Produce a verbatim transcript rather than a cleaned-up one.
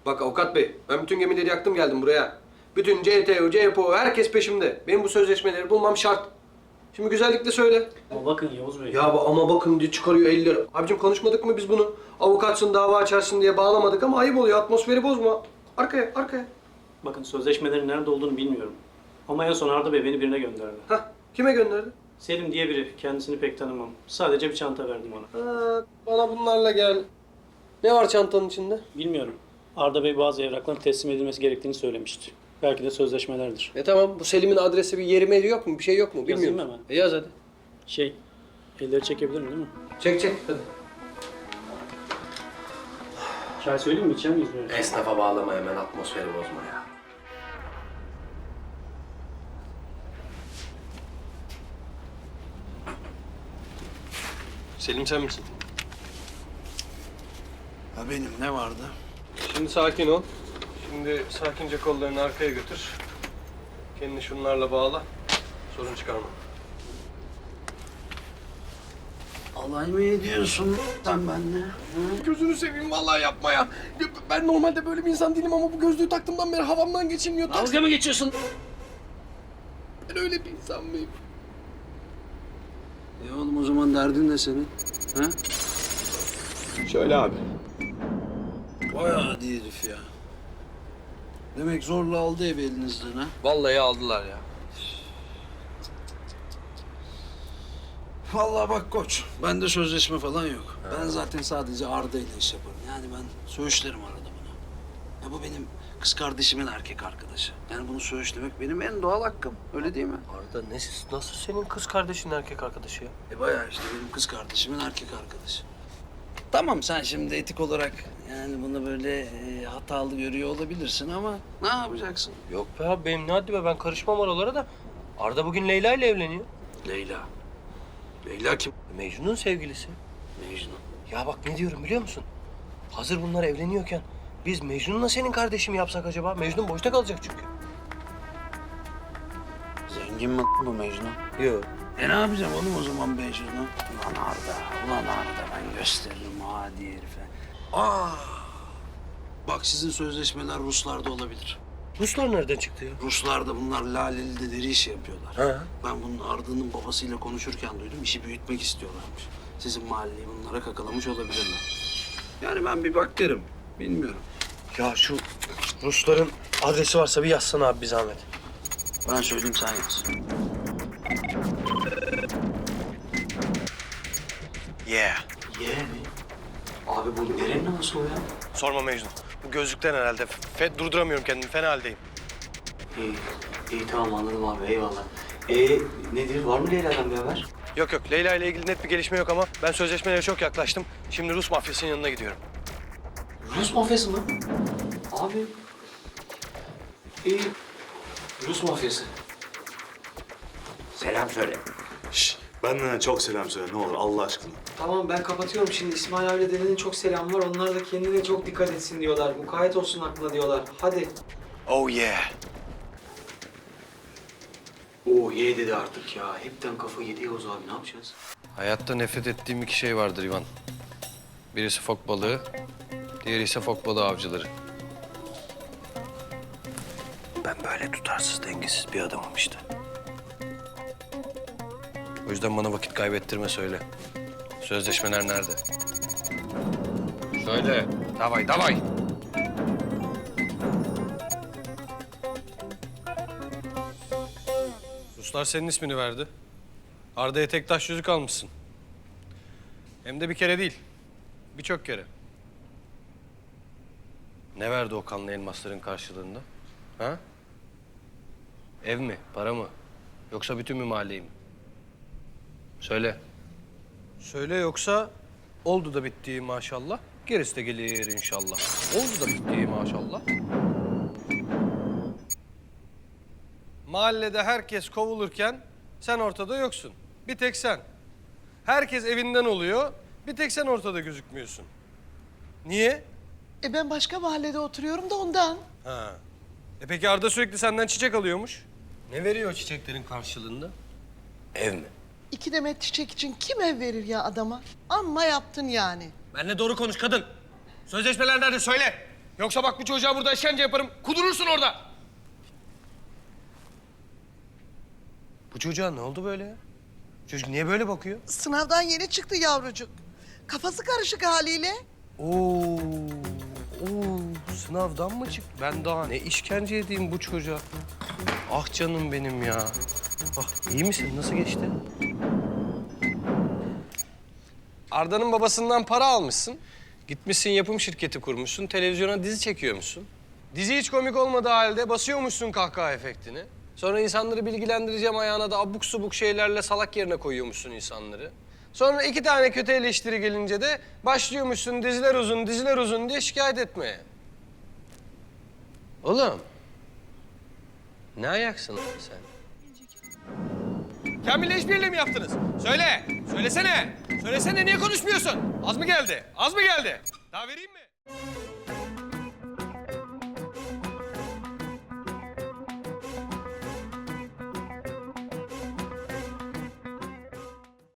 Bak avukat bey, ben bütün gemileri yaktım geldim buraya. Bütün C T O, C P O, herkes peşimde. Benim bu sözleşmeleri bulmam şart. Şimdi güzellikle söyle. Ama bakın Yavuz Bey. Ya bu ama bakın diye çıkarıyor elleri. Abicim konuşmadık mı biz bunu? Avukatsın, dava açarsın diye bağlamadık ama ayıp oluyor. Atmosferi bozma. Arkaya, arkaya. Bakın sözleşmelerin nerede olduğunu bilmiyorum. Ama en son Arda Bey beni birine gönderdi. Hah, kime gönderdi? Selim diye biri. Kendisini pek tanımam. Sadece bir çanta verdim ona. Ha, bana bunlarla gel. Ne var çantanın içinde? Bilmiyorum. Arda Bey bazı evrakların teslim edilmesi gerektiğini söylemişti. Belki de sözleşmelerdir. E tamam, bu Selim'in adresi bir yeri meri yok mu? Bir şey yok mu? Yazayım Bilmiyorum. hemen. E yaz hadi. Şey, elleri çekebilirim değil mi? Çek çek hadi. Çay söyleyeyim mi? İçer miyiz böyle? Esnafa bağlama hemen, atmosferi bozma ya. Selim sen misin? Ha benim ne vardı? Şimdi sakin ol. Şimdi sakince kollarını arkaya götür. Kendini şunlarla bağla. Sorun çıkarma. Alay mı ediyorsun sen benimle? Gözünü seveyim vallahi yapma ya. Ben normalde böyle bir insan değilim ama bu gözlüğü taktığımdan beri havamdan geçilmiyor. Dalga mı geçiyorsun? Ben öyle bir insan mıyım? E oğlum o zaman derdin ne senin? Ha? Şöyle abi. Vay adi herif ya. Demek zorla aldı evi elinizden ha? Vallahi aldılar ya. Vallahi bak koç, bende sözleşme falan yok. Ben zaten sadece Arda ile iş yaparım. Yani ben söğüşlerim arada bunu. Ya bu benim kız kardeşimin erkek arkadaşı. Yani bunu söğüşlemek benim en doğal hakkım. Öyle değil mi? Arda ne, nasıl senin kız kardeşin erkek arkadaşı ya? E bayağı işte benim kız kardeşimin erkek arkadaşı. Tamam sen şimdi etik olarak yani bunu böyle e, hatalı görüyor olabilirsin ama ne yapacaksın? Yok be abi benim ne haddi be, ben karışmam oralara da. Arda bugün Leyla ile evleniyor. Leyla. Leyla kim? Mecnun'un sevgilisi. Mecnun. Ya bak ne diyorum biliyor musun? Hazır bunlar evleniyorken biz Mecnun'la senin kardeşimi yapsak acaba? Mecnun boşta kalacak çünkü. Zengin mi bu Mecnun? Yok. E ne yapacağım oğlum o zaman Mecnun'u? Ulan Arda, ulan Arda ben gösteririm hadi herife. Aa! Bak sizin sözleşmeler Ruslarda olabilir. Ruslar nereden çıktı ya? Ruslarda bunlar laleli deri işi yapıyorlar. Ha. Ben bunun Arda'nın babasıyla konuşurken duydum. İşi büyütmek istiyorlarmış. Sizin mahalleyi bunlara kakalamış olabilirler. Yani ben bir bak derim. Bilmiyorum. Ya şu Rusların adresi varsa bir yazsana abi bir zahmet. Ben söyleyeyim sen yaz. Yeah. Ye mi? Abi bu nerenin havası o ya? Sorma Mecnun. Bu gözlükten herhalde. Fe, durduramıyorum kendimi. Fena haldeyim. İyi, iyi tamam anladım abi eyvallah. Ee nedir var mı Leyla'dan bir haber? Yok yok. Leyla ile ilgili net bir gelişme yok ama ben sözleşmelere çok yaklaştım. Şimdi Rus mafyasının yanına gidiyorum. Rus mafyası mı? Abi. İyi. Rus mafyası. Selam söyle. Şş, benden çok selam söyle ne olur Allah aşkına. Tamam ben kapatıyorum şimdi. İsmail abiyle dedenin çok selam var. Onlar da kendine çok dikkat etsin diyorlar. Mukayyet olsun aklına diyorlar. Hadi. Oh yeah. Oo ye dedi artık ya. Hepten kafa yedi Yavuz abi ne yapacağız? Hayatta nefret ettiğim iki şey vardır İvan. Birisi fok balığı, diğeri ise fok balığı avcıları. Ben böyle tutarsız, dengesiz bir adamım işte. O yüzden bana vakit kaybettirme söyle. Sözleşmeler nerede? Söyle. Davay, davay. Ruslar senin ismini verdi. Arda'ya tek taş yüzük almışsın. Hem de bir kere değil, birçok kere. Ne verdi o kanlı elmasların karşılığında? Ha? Ev mi, para mı? Yoksa bütün mü mahalleyi mi? Söyle. Söyle yoksa oldu da bitti maşallah. Gerisi de gelir inşallah. Oldu da bitti maşallah. Mahallede herkes kovulurken sen ortada yoksun. Bir tek sen. Herkes evinden oluyor. Bir tek sen ortada gözükmüyorsun. Niye? E ben başka mahallede oturuyorum da ondan. Ha. E peki Arda sürekli senden çiçek alıyormuş. Ne veriyor o çiçeklerin karşılığında? Ev mi? İki demet çiçek için kim ev verir ya adama? Amma yaptın yani. Benle doğru konuş kadın. Sözleşmeler nerede söyle. Yoksa bak bu çocuğa burada işkence yaparım. Kudurursun orada. Bu çocuğa ne oldu böyle ya? Çocuk niye böyle bakıyor? Sınavdan yeni çıktı yavrucuk. Kafası karışık haliyle. Oo, oo, sınavdan mı çıktı? Ben daha ne işkence edeyim bu çocuğa? Ah canım benim ya. Ah, iyi misin? Nasıl geçti? Arda'nın babasından para almışsın. Gitmişsin yapım şirketi kurmuşsun. Televizyona dizi çekiyormuşsun. Dizi hiç komik olmadığı halde basıyormuşsun kahkaha efektini. Sonra insanları bilgilendireceğim ayağına da abuk subuk şeylerle salak yerine koyuyormuşsun insanları. Sonra iki tane kötü eleştiri gelince de başlıyormuşsun diziler uzun, diziler uzun diye şikayet etmeye. Oğlum, ne ayaksın lan sen? Kamil'le işbirliği mi yaptınız? Söyle, söylesene. Söylesene, niye konuşmuyorsun? Az mı geldi? Az mı geldi? Daha vereyim mi?